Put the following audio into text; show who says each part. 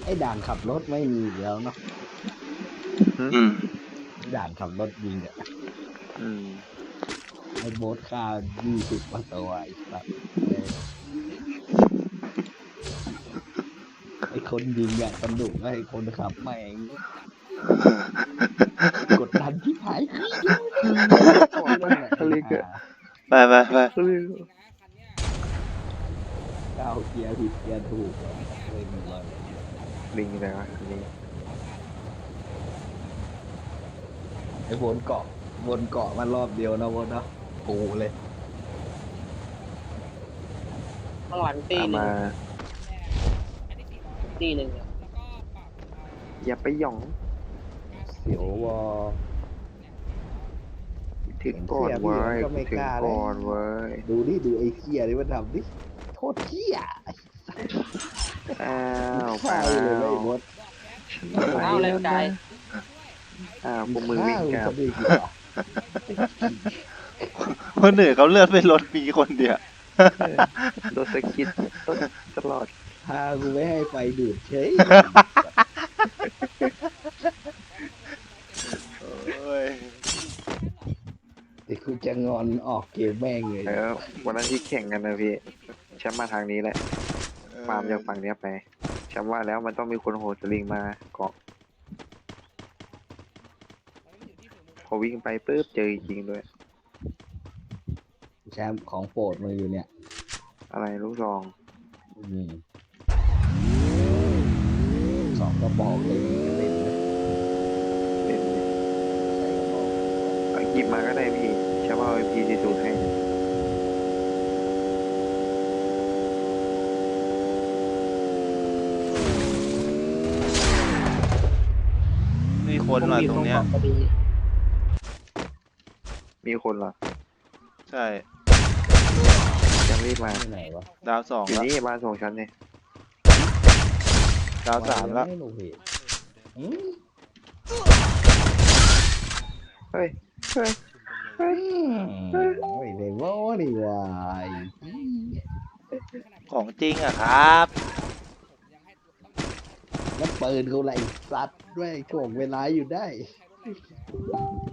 Speaker 1: อ้ด่านขับรถไม่มีแล้วเนาะ
Speaker 2: อืม
Speaker 1: ด่านขับรถยิงอ่ะ
Speaker 2: อืม
Speaker 1: ไอ้โบ๊ทฆ่า20มาตัวไอ้สัตว์ไอ้คนยิงอ่ะสนุกไอ้คนขับแม่งกดดันที่หายก่อนนั่นแหละไอ้ห่า
Speaker 2: ไป
Speaker 1: ก้าวเกียร์ผิดเกียร์ถูกเลยหมดเลย
Speaker 3: ลิงอะไรวะลิง
Speaker 1: ไอ้วนเกาะมารอบเดียวนะวนเนาะกูเลย
Speaker 4: ข้างหลังตี
Speaker 3: ตาม
Speaker 4: หนึ่ง
Speaker 3: มา
Speaker 4: ตีหนึ่งอะ
Speaker 3: อย่าไปหย่อง
Speaker 1: เสียววอ
Speaker 3: ถึงก่อนเว้ย
Speaker 1: ก็ไม่
Speaker 3: ถึ
Speaker 1: ก
Speaker 3: ง
Speaker 1: ล้าเลย
Speaker 3: ก่อนเว้ย
Speaker 1: ดูไอ้เคียนี่มันทำดิโคตรเคีย
Speaker 3: อ้าว
Speaker 1: ฆ่าเลยไอ้บด
Speaker 4: เอาแรงใจ
Speaker 3: อ้าวพวกมือวิ่งกลับ
Speaker 1: ฆ่ามึงทำไมวะ
Speaker 2: คนอื่นเขาเลือดเป็นรถมีคนเดียว
Speaker 3: โดนสะกิดตลอด
Speaker 1: พากูไม่ให้ไฟดูดเฉย
Speaker 2: โอ้ย
Speaker 1: เดี๋ยวกูจะงอนออกเกมแม่งเลย
Speaker 3: แล้ววันนั้นที่แข่งกันนะพี่แชมป์มาทางนี้แหละฟาร์มจากฝั่งเนี้ยไปแชมป์ว่าแล้วมันต้องมีคนโหดสลิงมาเกาะพอวิ่งไปปุ๊บเจอจริงด้วย
Speaker 1: แชมป์ของโปรดมาอยู่เนี่ย
Speaker 3: อะไรลูกซอง
Speaker 1: อืมสองกระบอกเลยเล่นนะ
Speaker 3: เล่น
Speaker 1: ใส่กระบอก
Speaker 3: เอาหยิบมาก็ได้พี่แชมป์เอาพีซีสูตรให้
Speaker 2: มีคนมาตรงเนี้ย
Speaker 4: พอดี
Speaker 3: มีคนเหรอ
Speaker 2: ใช่
Speaker 3: แชมป์รีบมา
Speaker 1: ที่ไหนวะ
Speaker 2: ดาวสอง
Speaker 3: อยู่
Speaker 2: แล้ว
Speaker 3: นี่บ้านส่งชั้นเนี่ย
Speaker 2: ดาวสามแล้ว
Speaker 1: ไม่รู้เหตุอืม
Speaker 3: เฮ้ยเฮ้ยเฮ้ย
Speaker 1: ไม่ได้ว่านี่วาย
Speaker 2: ของจริงอะครับ
Speaker 1: แล้วปืนเขาไรสัตว์ด้วยถ่วงเวลาอยู่ได้